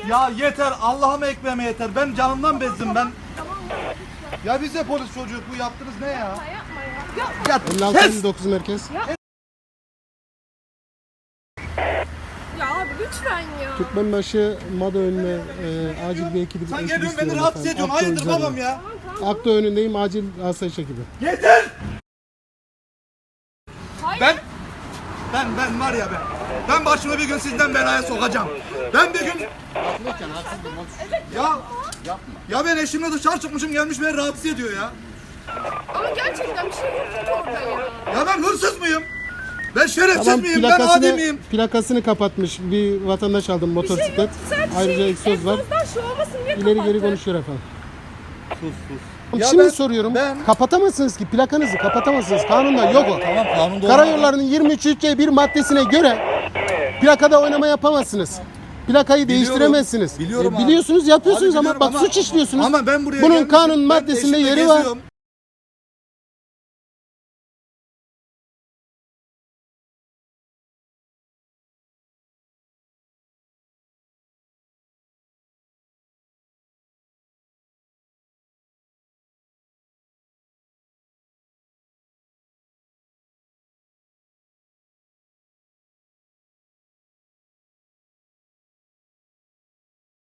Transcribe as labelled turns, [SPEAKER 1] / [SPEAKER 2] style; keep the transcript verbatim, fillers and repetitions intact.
[SPEAKER 1] Ya yeter, Allah'ıma ekmeğime yeter. Ben canımdan bezdim ben.
[SPEAKER 2] Tamam mı?
[SPEAKER 1] Ya biz de polis çocuğu, bu yaptınız ne ya?
[SPEAKER 2] Ya yapma ya. Yapma.
[SPEAKER 1] Ya
[SPEAKER 3] elli altı
[SPEAKER 1] kes!
[SPEAKER 3] elli dokuz merkez.
[SPEAKER 2] Ya abi lütfen ya.
[SPEAKER 3] Türkmenbaşı Mada önüne e, acil bir ekibi.
[SPEAKER 1] Sen
[SPEAKER 3] ekibi
[SPEAKER 1] geliyorsun beni
[SPEAKER 3] istiyorum
[SPEAKER 1] rahatsız
[SPEAKER 3] efendim.
[SPEAKER 1] ediyorsun.
[SPEAKER 3] Akto
[SPEAKER 1] Hayırdır
[SPEAKER 3] üzerine.
[SPEAKER 1] babam ya?
[SPEAKER 3] Akto önündeyim, acil asayiş ekibi.
[SPEAKER 1] Yeter!
[SPEAKER 2] Hayır.
[SPEAKER 1] Ben ben ben var ya ben. Ben başımı bir gün sizden belaya sokacağım. Ben bir gün ya ya ben eşimle dışarı çıkmışım, gelmiş beni rahatsız ediyor ya.
[SPEAKER 2] Ama gerçekten bir şey yok ki orada ya.
[SPEAKER 1] Ya ben hırsız mıyım? Ben şerefsiz
[SPEAKER 3] Tamam,
[SPEAKER 1] miyim? Ben adi
[SPEAKER 3] plakasını,
[SPEAKER 1] miyim?
[SPEAKER 3] plakasını kapatmış. Bir vatandaş aldım,
[SPEAKER 2] Bir şey
[SPEAKER 3] motosiklet.
[SPEAKER 2] yok. Sadece
[SPEAKER 3] Ayrıca
[SPEAKER 2] şey,
[SPEAKER 3] egzoz var.
[SPEAKER 2] egzozdan şu olmasın diye
[SPEAKER 3] İleri
[SPEAKER 2] kapattı.
[SPEAKER 3] geri konuşuyor efendim.
[SPEAKER 1] Sus sus. Ya
[SPEAKER 3] Şimdi
[SPEAKER 1] ben-
[SPEAKER 3] soruyorum.
[SPEAKER 1] ben-
[SPEAKER 3] Kapatamazsınız ki, plakanızı kapatamazsınız. Kanunda yok o.
[SPEAKER 1] Tamam, kanunda
[SPEAKER 3] Karayollarının yirmi üç C bir maddesine göre plakada oynama yapamazsınız. Plakayı değiştiremezsiniz.
[SPEAKER 1] biliyorum
[SPEAKER 3] E,
[SPEAKER 1] abi.
[SPEAKER 3] biliyorsunuz, yapıyorsunuz
[SPEAKER 1] Abi
[SPEAKER 3] ama
[SPEAKER 1] biliyorum
[SPEAKER 3] bak
[SPEAKER 1] ama-
[SPEAKER 3] suç işliyorsunuz.
[SPEAKER 1] ama ben buraya
[SPEAKER 3] Bunun
[SPEAKER 1] gelmişim,
[SPEAKER 3] kanun
[SPEAKER 1] ben
[SPEAKER 3] maddesinde
[SPEAKER 1] eşimle
[SPEAKER 3] yeri var.
[SPEAKER 1] geziyorum.